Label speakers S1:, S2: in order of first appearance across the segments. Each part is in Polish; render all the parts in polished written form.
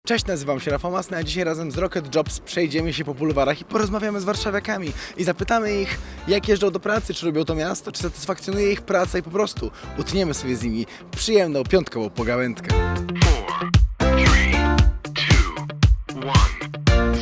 S1: Cześć, nazywam się Rafał Masny, a dzisiaj razem z Rocket Jobs przejdziemy się po bulwarach i porozmawiamy z warszawiakami i zapytamy ich, jak jeżdżą do pracy, czy lubią to miasto, czy satysfakcjonuje ich praca i po prostu utniemy sobie z nimi przyjemną piątkową pogawędkę.
S2: 4, 3, 2, 1,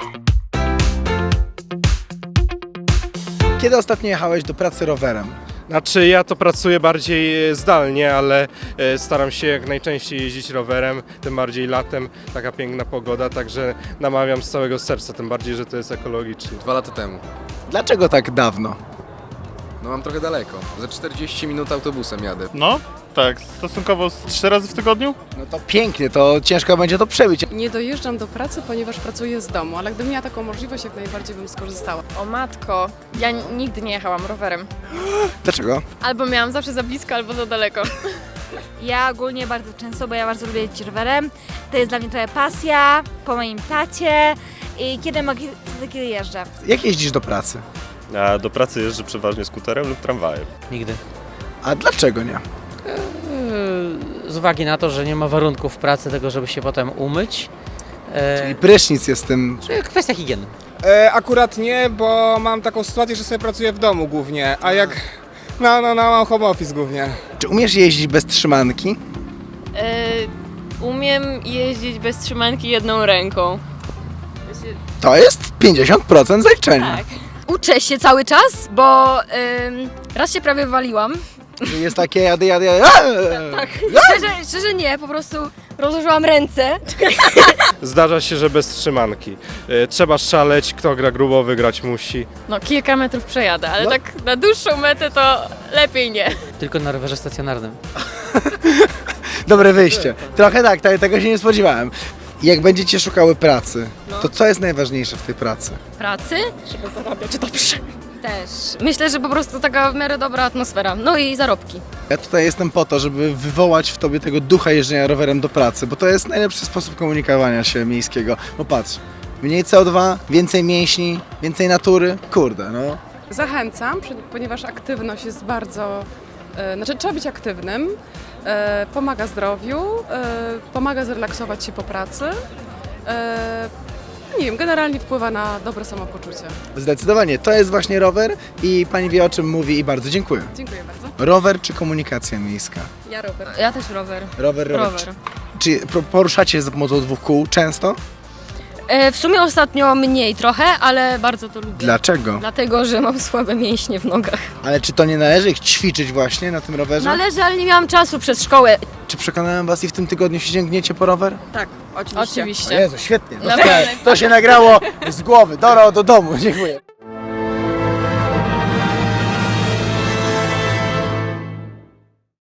S2: 0.
S1: Kiedy ostatnio jechałeś do pracy rowerem?
S3: Znaczy ja to pracuję bardziej zdalnie, ale staram się jak najczęściej jeździć rowerem, tym bardziej latem, taka piękna pogoda, także namawiam z całego serca, tym bardziej, że to jest ekologicznie.
S4: 2 lata temu.
S1: Dlaczego tak dawno?
S4: No mam trochę daleko. Za 40 minut autobusem jadę.
S5: No, tak, stosunkowo 3 razy w tygodniu.
S1: No to pięknie, to ciężko będzie to przebić.
S6: Nie dojeżdżam do pracy, ponieważ pracuję z domu, ale gdybym miała taką możliwość, jak najbardziej bym skorzystała.
S7: O matko, ja nigdy nie jechałam rowerem.
S1: Dlaczego?
S7: Albo miałam zawsze za blisko, albo za daleko.
S8: Ja ogólnie bardzo często, bo ja bardzo lubię jeździć rowerem. To jest dla mnie trochę pasja, po moim tacie i kiedy mogę, wtedy kiedy jeżdżę.
S1: Jak jeździsz do pracy?
S9: A do pracy jeżdżę przeważnie skuterem lub tramwajem.
S10: Nigdy.
S1: A dlaczego nie?
S10: Z uwagi na to, że nie ma warunków w pracy tego, żeby się potem umyć.
S1: Czyli prysznic jest tym...
S10: Kwestia higieny.
S11: Akurat nie, bo mam taką sytuację, że sobie pracuję w domu głównie, a jak... No, mam home office głównie.
S1: Czy umiesz jeździć bez trzymanki?
S7: Umiem jeździć bez trzymanki jedną ręką.
S1: To jest 50% zaliczenia.
S7: Tak.
S12: Uczę się cały czas, bo raz się prawie waliłam.
S1: Że jest takie jadę.
S12: Tak. Szczerze nie, po prostu rozłożyłam ręce.
S3: Zdarza się, że bez trzymanki. Trzeba szaleć, kto gra grubo, wygrać musi.
S7: No kilka metrów przejadę, ale
S1: No.
S7: tak na dłuższą metę to lepiej nie.
S10: Tylko na rowerze stacjonarnym.
S1: Dobre wyjście. Trochę tak, tego się nie spodziewałem. Jak będziecie szukały pracy, to co jest najważniejsze w tej pracy?
S12: Pracy? Żeby zarabiać dobrze. Też. Myślę, że po prostu taka w miarę dobra atmosfera. No i zarobki.
S1: Ja tutaj jestem po to, żeby wywołać w tobie tego ducha jeżdżenia rowerem do pracy, bo to jest najlepszy sposób komunikowania się miejskiego. Bo patrz, mniej CO2, więcej mięśni, więcej natury. Kurde, no.
S6: Zachęcam, ponieważ aktywność jest bardzo... trzeba być aktywnym, pomaga zdrowiu, pomaga zrelaksować się po pracy. Nie wiem, generalnie wpływa na dobre samopoczucie.
S1: Zdecydowanie, to jest właśnie rower i pani wie, o czym mówi i bardzo dziękuję.
S6: Dziękuję bardzo.
S1: Rower czy komunikacja miejska?
S7: Ja rower.
S12: Ja też rower.
S1: Rower.
S12: Rower.
S1: Czy poruszacie się za pomocą 2 kół często?
S12: W sumie ostatnio mniej trochę, ale bardzo to lubię.
S1: Dlaczego?
S12: Dlatego, że mam słabe mięśnie w nogach.
S1: Ale czy to nie należy ich ćwiczyć właśnie na tym rowerze?
S12: Należy, ale nie miałam czasu przez szkołę.
S1: Czy przekonałem was i w tym tygodniu się sięgniecie po rower?
S7: Tak, oczywiście.
S1: Jezu, świetnie.
S7: Naprawdę.
S1: To się nagrało z głowy. Do domu, dziękuję.